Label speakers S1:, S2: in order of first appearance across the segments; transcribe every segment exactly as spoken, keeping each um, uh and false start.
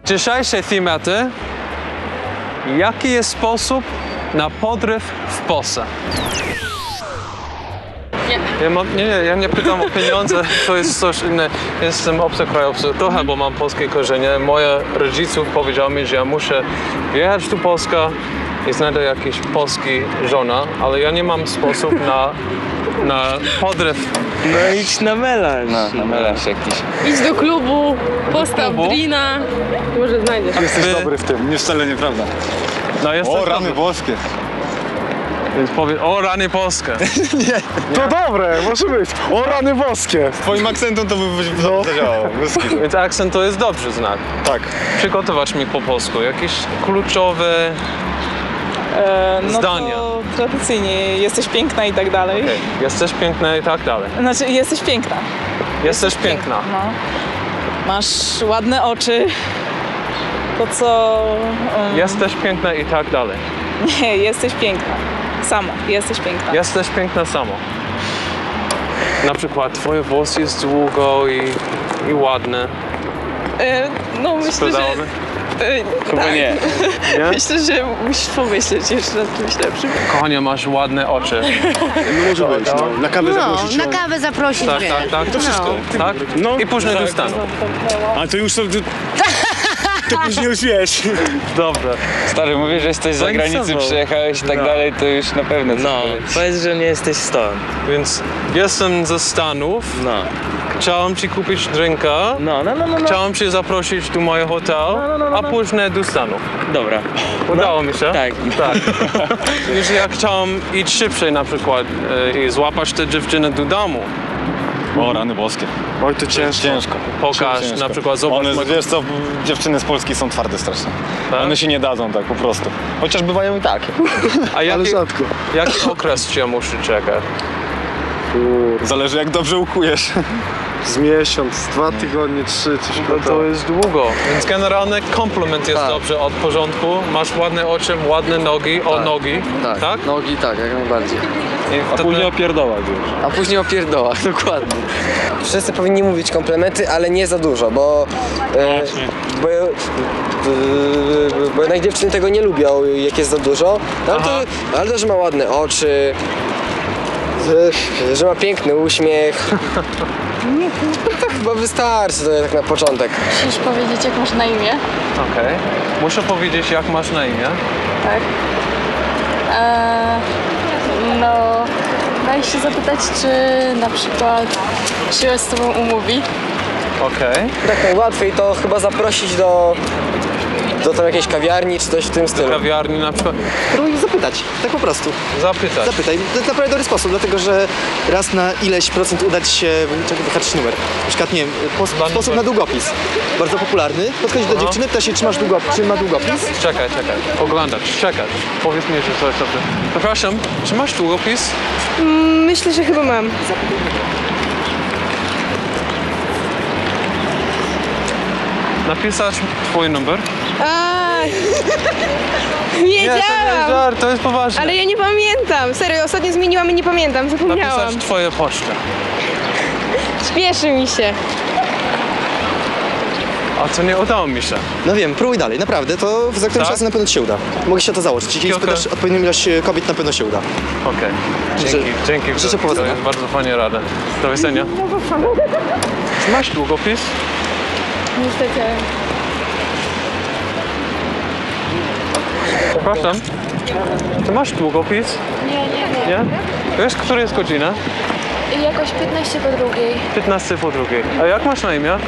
S1: Dzisiejsze tematy. Jaki jest sposób na podryw w Polsce?
S2: Nie.
S1: Ja mam, nie, nie, ja nie pytam o pieniądze, to jest coś innego. Jestem obcokrajowcem, trochę, bo mam polskie korzenie. Moje rodziców powiedział mi, że ja muszę wjechać do Polska i znajdę jakiś polski żona, ale ja nie mam sposób na, na podryw.
S3: No idź na melanż.
S4: No, na melanż jakiś.
S2: Idź do klubu, postaw
S1: klubu?
S2: drina. Może znajdziesz.
S5: Jesteś
S1: Wy-
S5: dobry w tym, nie wcale nieprawda.
S1: No, jesteś
S5: O, rany
S1: dobry.
S5: boskie.
S1: Więc powie, o rany Polskę.
S5: To dobre, może być. O, rany boskie. Twoim akcentem to by no. zadziałało.
S1: Więc akcent to jest dobry znak.
S5: Tak.
S1: Przygotować mi po polsku jakieś kluczowe
S3: E, no
S1: zdania.
S3: to tradycyjnie jesteś piękna i tak dalej.
S1: Okay. Jesteś piękna i tak dalej.
S3: Znaczy jesteś piękna.
S1: Jesteś piękna.
S3: No. Masz ładne oczy. To co... Um,
S1: Jesteś piękna i tak dalej.
S3: Nie, jesteś piękna. Sama, jesteś piękna.
S1: Jesteś piękna samo. Na przykład twoje włosy jest długo i, i ładne.
S3: E, no myślę, że...
S1: Sprzedałoby?
S3: E,
S4: Chyba
S3: tak.
S4: nie.
S1: Nie?
S3: Myślę, że musisz pomyśleć jeszcze nad czymś lepszym.
S1: Kochanie, masz ładne oczy.
S5: No może być, no. Na kawę
S6: No,
S5: zaprosić.
S6: na kawę zaprosić
S1: Tak,
S6: mnie.
S1: tak, tak. To
S5: wszystko.
S1: Tak?
S5: No.
S1: I później do Stanów.
S5: A to już to... To później już wiesz.
S1: Dobrze.
S4: Stary, mówisz, że jesteś z zagranicy,
S3: Zainteresował.
S4: przyjechałeś i tak
S1: No.
S4: dalej, to już na pewno coś
S3: No,
S4: powiedz.
S3: powiedz, że nie jesteś stąd.
S1: Więc jestem ze Stanów.
S3: No.
S1: Chciałem ci kupić drinka.
S3: No, no, no, no, no.
S1: Chciałem cię zaprosić do mojego hotelu,
S3: no, no, no,
S1: a
S3: no.
S1: później do Stanów.
S3: Dobra.
S1: Udało mi się?
S3: Tak.
S1: Tak. Już ja chciałem iść szybciej na przykład e, i złapać tę dziewczynę do domu.
S5: O, rany boskie. Oj, to ciężko. Ciężko.
S1: Pokaż,
S5: Ciężko.
S1: na przykład zobacz
S5: One,
S1: moje-
S5: wiesz co, dziewczyny z Polski są twarde strasznie.
S1: Tak?
S5: One się nie dadzą tak po prostu. Chociaż bywają i tak.
S1: A jaki,
S5: rzadko.
S1: jaki okres cię muszę czekać?
S5: Zależy jak dobrze ukujesz.
S7: Z miesiąc, dwa tygodnie, trzy, coś
S1: No
S7: takiego.
S1: to jest długo. Więc generalnie komplement jest
S7: Tak.
S1: dobrze od porządku. Masz ładne oczy, ładne nogi, o nogi.
S7: Tak,
S1: Tak?
S7: nogi tak, jak najbardziej.
S1: I
S5: A
S1: wtedy-
S5: później opierdołać już.
S7: A później o pierdołach, dokładnie.
S8: Wszyscy powinni mówić komplementy, ale nie za dużo, bo, e, bo, e, bo jednak dziewczyny tego nie lubią, jak jest za dużo. No, ale, to, ale to, że ma ładne oczy, że, że ma piękny uśmiech. To chyba wystarczy to tak na początek.
S2: Musisz powiedzieć, jak masz na imię.
S1: Okej. Muszę powiedzieć, jak masz na imię.
S2: Tak. Eee, no, daj się zapytać, czy na przykład się z tobą umówi.
S1: Okej.
S8: Tak najłatwiej to chyba zaprosić do, do tam jakiejś kawiarni czy coś w tym stylu.
S1: Kawiarni na przykład.
S9: Spróbuj zapytać, tak po prostu.
S1: Zapytać.
S9: Zapytaj. To jest naprawdę dobry sposób, dlatego że raz na ileś procent uda ci się wyhaczyć numer. Na przykład, nie wiem, pos,
S1: Dwa
S9: sposób
S1: numer.
S9: na długopis. Bardzo popularny. Podchodzisz do
S1: Aha.
S9: dziewczyny, pytasz się, czy, masz długopis, czy ma długopis.
S1: Czekaj, czekaj. Oglądać, czekać. Powiedz mi, że coś dobrze. Przepraszam, czy masz długopis?
S2: Myślę, że chyba mam.
S1: Napisać twój numer?
S2: A,
S1: Nie, to nie jest
S2: wiedziałam!
S1: żart, to jest poważne.
S2: Ale ja nie pamiętam. Serio, ostatnio zmieniłam i nie pamiętam. Zapomniałam.
S1: Napisać twoje pocztę.
S2: Śpieszy mi się.
S1: A to nie udało mi się.
S9: No wiem, próbuj dalej, naprawdę, to za którymś
S1: Tak?
S9: razem na pewno ci się uda. Mogę się o to założyć. Jeśli
S1: Kilka-
S9: spytasz odpowiednią ilość e, kobiet, na pewno się uda.
S1: Okej. Dzięki, dzięki.
S9: życzę
S1: to
S9: powodzenia.
S1: jest bardzo fajnie rada. Do widzenia. Czy masz długopis?
S2: Niestety.
S1: Przepraszam. Czy masz długopis?
S2: Nie, nie, nie.
S1: Nie? Wiesz, która jest godzina?
S2: Jakoś piętnaście po drugiej.
S1: piętnaście po drugiej. A jak masz na imię?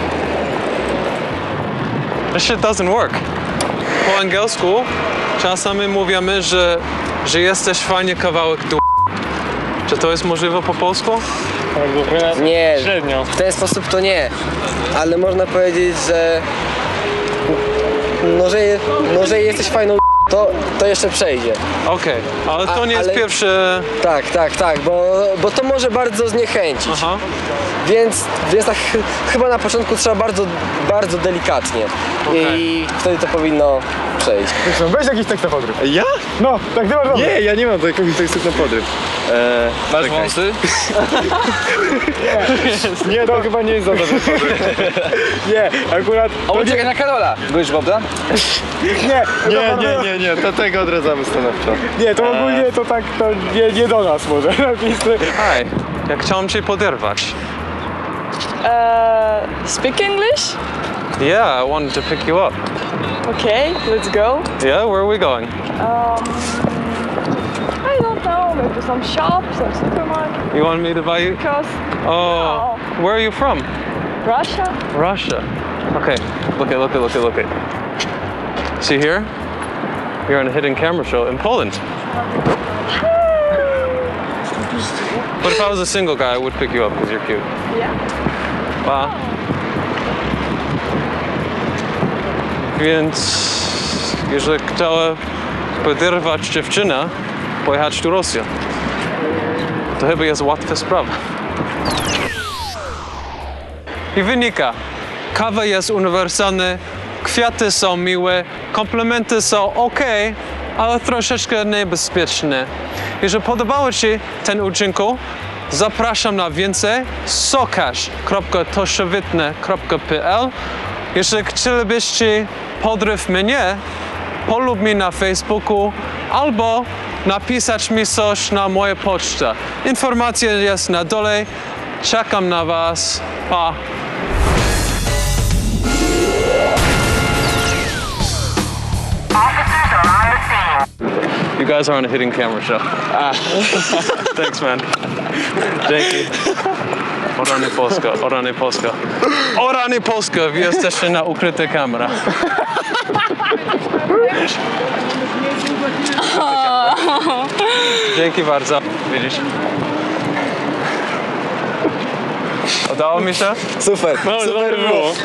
S1: This shit doesn't work. Po angielsku czasami mówimy, że, że jesteś fajnie kawałek d***. Czy to jest możliwe po polsku?
S8: Nie,
S5: Średnio.
S8: w ten sposób to nie, ale można powiedzieć, że no, że, no, że jesteś fajną to, to jeszcze przejdzie.
S1: Okej, ale to
S8: A-
S1: nie jest
S8: ale-
S1: pierwsze...
S8: Tak, tak, tak, bo, bo to może bardzo zniechęcić.
S1: Aha.
S8: Więc, więc tak ch- chyba na początku trzeba bardzo, bardzo delikatnie.
S1: Okej.
S8: I wtedy to powinno przejść.
S5: Weź jakiś tekst na podryw.
S7: Ja?
S5: No, tak ty masz dobry.
S7: Nie, ja nie mam takiego tekstu na podryw.
S4: E,
S1: Masz
S4: czekaj.
S1: wąsy?
S5: Nie, to chyba nie jest za dobry pomysł. Nie, akurat...
S4: O, czekaj na Karola! Byłeś Bobda?
S5: Nie, nie, nie, nie, nie, to tego odradzamy stanowczo. Nie, to ogólnie to tak, to nie, nie do nas może napisy.
S1: Hej, ja chciałem cię poderwać.
S3: Uh, speak English?
S1: Yeah, I wanted to pick you up.
S3: Okay, let's go.
S1: Yeah, where are we going?
S3: Um, I don't know, maybe some shop, some supermarket.
S1: You want me to buy you?
S3: Because
S1: Oh, where are you from?
S3: Russia?
S1: Russia. Okay, look at, look at, look at, look at. See here? You're on a hidden camera show in Poland. But if I was a single guy, I would pick you up because you're cute.
S3: Yeah.
S1: Wow. Więc jeżeli chciała poderwać dziewczynę, pojechać do Rosji, to chyba jest łatwa sprawa. I wynika, kawa jest uniwersalna, kwiaty są miłe, komplementy są ok, ale troszeczkę niebezpieczne. Jeżeli podobało Ci ten odcinek, zapraszam na więcej sokaż kropka toszowitne kropka p l. Jeżeli chcielibyście podryw mnie, polub mnie na Facebooku albo napisać mi coś na moją pocztę. Informacja jest na dole. Czekam na Was. Pa! You guys are on a hidden camera show. Ah. Thanks, man. Dzięki. O rany Polska, o rany Polska. O rany Polska, wy jesteście na ukryte kamera. Dzięki bardzo. Widzisz? Udało mi się?
S8: Super,
S1: No,
S8: super było.